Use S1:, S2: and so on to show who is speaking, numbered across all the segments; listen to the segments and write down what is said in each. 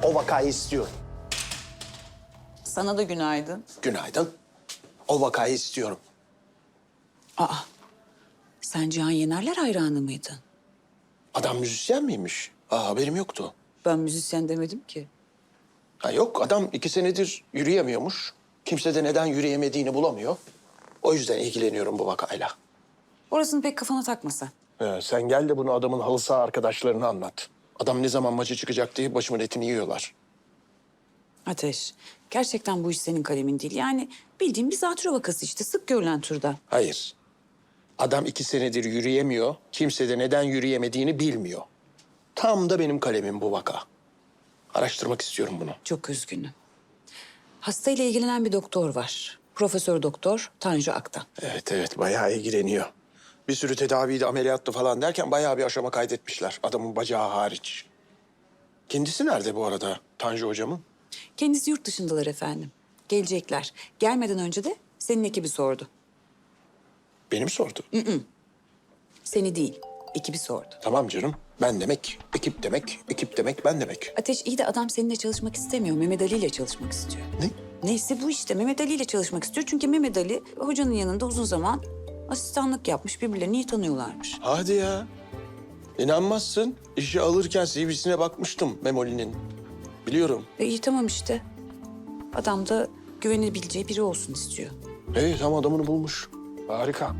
S1: O vakayı istiyorum.
S2: Sana da günaydın.
S1: Günaydın. O vakayı istiyorum.
S2: Aa, sen Cihan Yenerler hayranı mıydın?
S1: Adam müzisyen miymiş? Haberim yoktu.
S2: Ben müzisyen demedim ki.
S1: Ha yok, adam 2 senedir yürüyemiyormuş. Kimse de neden yürüyemediğini bulamıyor. O yüzden ilgileniyorum bu vakayla.
S2: Orasını pek kafana takma sen.
S1: Sen gel de bunu adamın halı saha arkadaşlarına anlat. Adam ne zaman maça çıkacak diye başımın etini yiyorlar.
S2: Ateş, gerçekten bu iş senin kalemin değil. Yani bildiğin bir zatürre vakası işte, sık görülen türden.
S1: Hayır. Adam 2 senedir yürüyemiyor. Kimse de neden yürüyemediğini bilmiyor. Tam da benim kalemim bu vaka. Araştırmak istiyorum bunu.
S2: Çok üzgünüm. Hastayla ilgilenen bir doktor var. Profesör Doktor Tanju Aktan.
S1: Evet, bayağı ilgileniyor. Bir sürü tedaviydi, ameliyattı falan derken bayağı bir aşama kaydetmişler. Adamın bacağı hariç. Kendisi nerede bu arada Tanju hocamın?
S2: Kendisi yurt dışındalar efendim. Gelecekler. Gelmeden önce de senin ekibi sordu.
S1: Beni mi sordu?
S2: Seni değil, ekibi sordu.
S1: Tamam canım. Ben demek, ekip demek, ekip demek, ben demek.
S2: Ateş iyi de adam seninle çalışmak istemiyor. Mehmet Ali ile çalışmak istiyor.
S1: Ne?
S2: Neyse bu işte. Mehmet Ali ile çalışmak istiyor. Çünkü Mehmet Ali hocanın yanında uzun zaman asistanlık yapmış. Birbirlerini iyi tanıyorlarmış.
S1: Hadi ya. İnanmazsın. İşe alırken CV'sine bakmıştım Memoli'nin. Biliyorum.
S2: İyi tamam işte. Adam da güvenebileceği biri olsun istiyor.
S1: Evet, tam adamını bulmuş. Harika.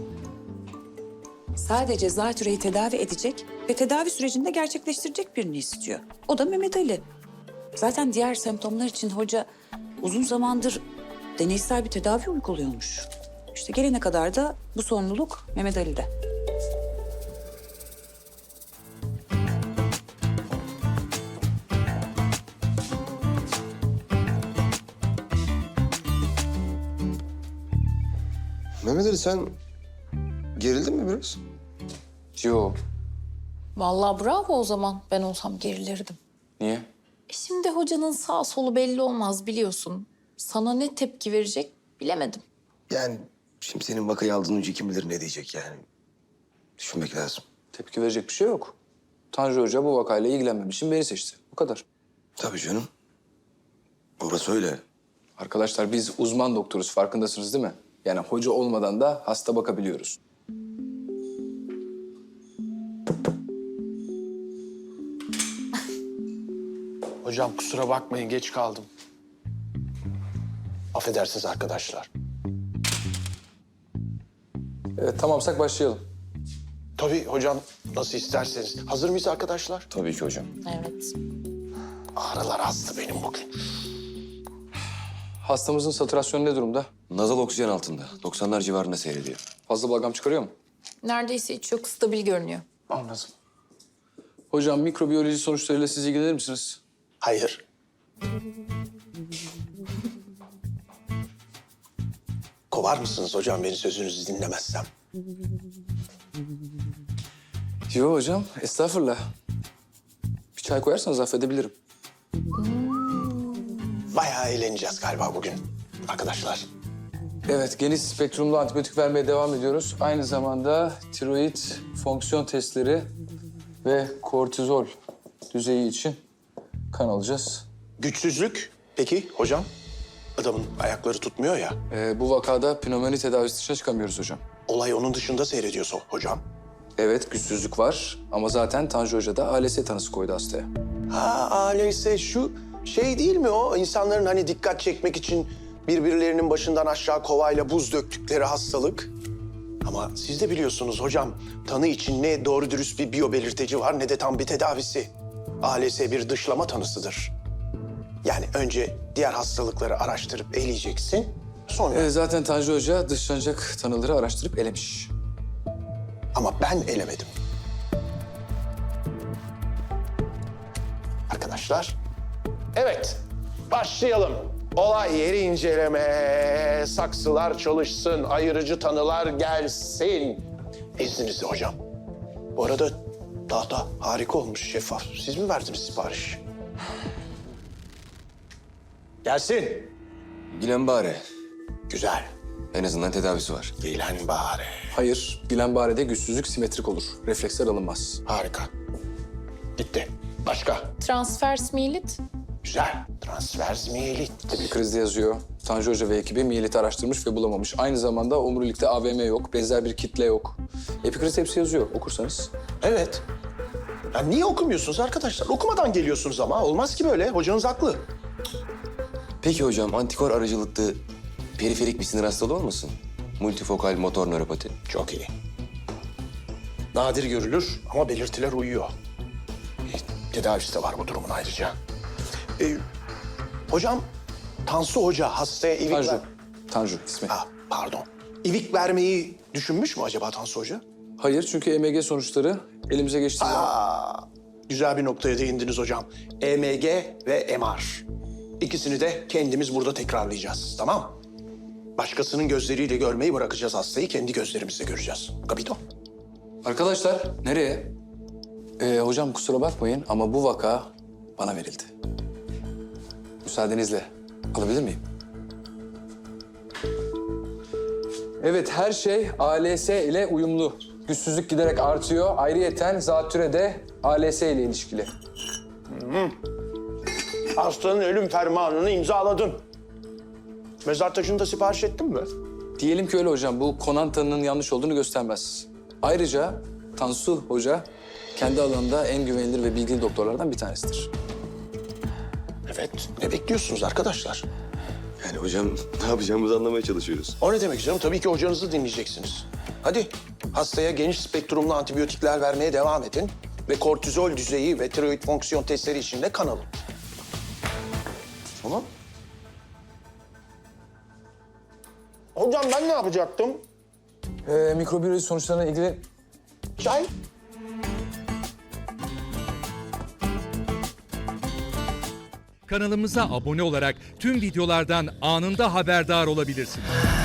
S2: Sadece zatürreyi tedavi edecek ve tedavi sürecinde gerçekleştirecek birini istiyor. O da Mehmet Ali. Zaten diğer semptomlar için hoca uzun zamandır deneysel bir tedavi uyguluyormuş. İşte gelene kadar da bu sorumluluk Mehmet Ali'de.
S3: Mehmet Ali sen gerildin mi biraz?
S4: Yo.
S5: Vallahi bravo o zaman. Ben olsam gerilirdim.
S4: Niye?
S5: Şimdi hocanın sağ solu belli olmaz biliyorsun. Sana ne tepki verecek bilemedim.
S3: Yani şimdi senin vakayı aldığın önce kim bilir ne diyecek yani. Düşünmek lazım.
S4: Tepki verecek bir şey yok. Tanju Hoca bu vakayla ilgilenmemiş için beni seçti. Bu kadar.
S3: Tabii canım. Orası öyle.
S4: Arkadaşlar biz uzman doktoruz. Farkındasınız değil mi? Yani hoca olmadan da hasta bakabiliyoruz.
S1: Hocam kusura bakmayın, geç kaldım. Affedersiniz arkadaşlar.
S4: Evet tamamsak başlayalım.
S1: Tabii hocam, nasıl isterseniz. Hazır mıyız arkadaşlar?
S3: Tabii ki hocam.
S5: Evet.
S1: Ağrılar astı benim bugün.
S4: Hastamızın satürasyonu ne durumda?
S3: Nazal oksijen altında. 90'lar civarında seyrediyor.
S4: Fazla balgam çıkarıyor mu?
S5: Neredeyse hiç yok. Stabil görünüyor.
S4: Anladım. Hocam mikrobiyoloji sonuçlarıyla siz ilgilenir misiniz?
S1: Hayır. Kovar mısınız hocam beni sözünüzü dinlemezsem?
S4: Yo hocam, estağfurullah. Bir çay koyarsanız affedebilirim.
S1: Bayağı eğleneceğiz galiba bugün arkadaşlar.
S4: Evet, geniş spektrumlu antibiyotik vermeye devam ediyoruz. Aynı zamanda tiroid fonksiyon testleri ve kortizol düzeyi için kan alacağız.
S1: Güçsüzlük peki hocam? Adamın ayakları tutmuyor ya.
S4: Bu vakada pnömoni tedavisi dışına çıkamıyoruz hocam.
S1: Olay onun dışında seyrediyorsa hocam.
S4: Evet, güçsüzlük var ama zaten Tanju Hoca da ALS tanısı koydu hastaya.
S1: Ha öyleyse şu şey değil mi o? İnsanların hani dikkat çekmek için birbirlerinin başından aşağı kovayla buz döktükleri hastalık. Ama siz de biliyorsunuz hocam, tanı için ne doğru dürüst bir biyobelirteci var ne de tam bir tedavisi. ALS bir dışlama tanısıdır. Yani önce diğer hastalıkları araştırıp eleyeceksin, sonra...
S4: Zaten Tanju Hoca dışlanacak tanıları araştırıp elemiş.
S1: Ama ben elemedim. Arkadaşlar, evet başlayalım. Olay yeri inceleme, saksılar çalışsın, ayırıcı tanılar gelsin. İzninizle hocam. Bu arada tahta harika olmuş, şeffaf. Siz mi verdiniz sipariş? Gelsin.
S3: Guillain-Barré.
S1: Güzel.
S3: En azından tedavisi var.
S1: Gelen bari.
S4: Hayır, Guillain-Barré'de güçsüzlük simetrik olur. Refleksler alınmaz.
S1: Harika. Gitti. Başka?
S5: Transfers milit.
S1: Güzel. Transvers miyelit.
S4: Epikrizde yazıyor. Tanju Hoca ve ekibi miyeliti araştırmış ve bulamamış. Aynı zamanda omurilikte AVM yok, benzer bir kitle yok. Epikrizde hepsi yazıyor okursanız.
S1: Evet. Ya niye okumuyorsunuz arkadaşlar? Okumadan geliyorsunuz ama. Olmaz ki böyle. Hocanız haklı.
S3: Peki hocam antikor aracılıklı periferik bir sinir hastalığı olmasın? Multifokal motor nöropati.
S1: Çok iyi. Nadir görülür ama belirtiler uyuyor. Tedavisi de var bu durumun ayrıca. Hocam, Tansu Hoca hastaya ivik
S4: Tanju.
S1: ver...
S4: Tanju ismi.
S1: Ha, pardon. İvik vermeyi düşünmüş mü acaba Tansu Hoca?
S4: Hayır çünkü EMG sonuçları elimize geçtiği zaman...
S1: Güzel bir noktaya değindiniz hocam. EMG ve MR. İkisini de kendimiz burada tekrarlayacağız, tamam? Başkasının gözleriyle görmeyi bırakacağız hastayı, kendi gözlerimizle göreceğiz. Kapito?
S4: Arkadaşlar nereye? Hocam kusura bakmayın ama bu vaka bana verildi. Müsaadenizle alabilir miyim? Evet her şey ALS ile uyumlu. Güçsüzlük giderek artıyor. Ayrıyeten zatüre de ALS ile ilişkili.
S1: Hastanın ölüm fermanını imzaladın. Mezar taşını da sipariş ettin mi?
S4: Diyelim ki öyle hocam. Bu Konan tanının yanlış olduğunu göstermez. Ayrıca Tansu Hoca kendi alanında en güvenilir ve bilgili doktorlardan bir tanesidir.
S1: Evet. Ne bekliyorsunuz arkadaşlar?
S3: Yani hocam ne yapacağımızı anlamaya çalışıyoruz.
S1: O ne demek canım? Tabii ki hocanızı dinleyeceksiniz. Hadi hastaya geniş spektrumlu antibiyotikler vermeye devam edin. Ve kortizol düzeyi ve tiroid fonksiyon testleri için de kan alın. Tamam. Hocam ben ne yapacaktım?
S4: Mikrobiyoloji sonuçlarına ilgili
S1: Çay?
S6: Kanalımıza abone olarak tüm videolardan anında haberdar olabilirsiniz.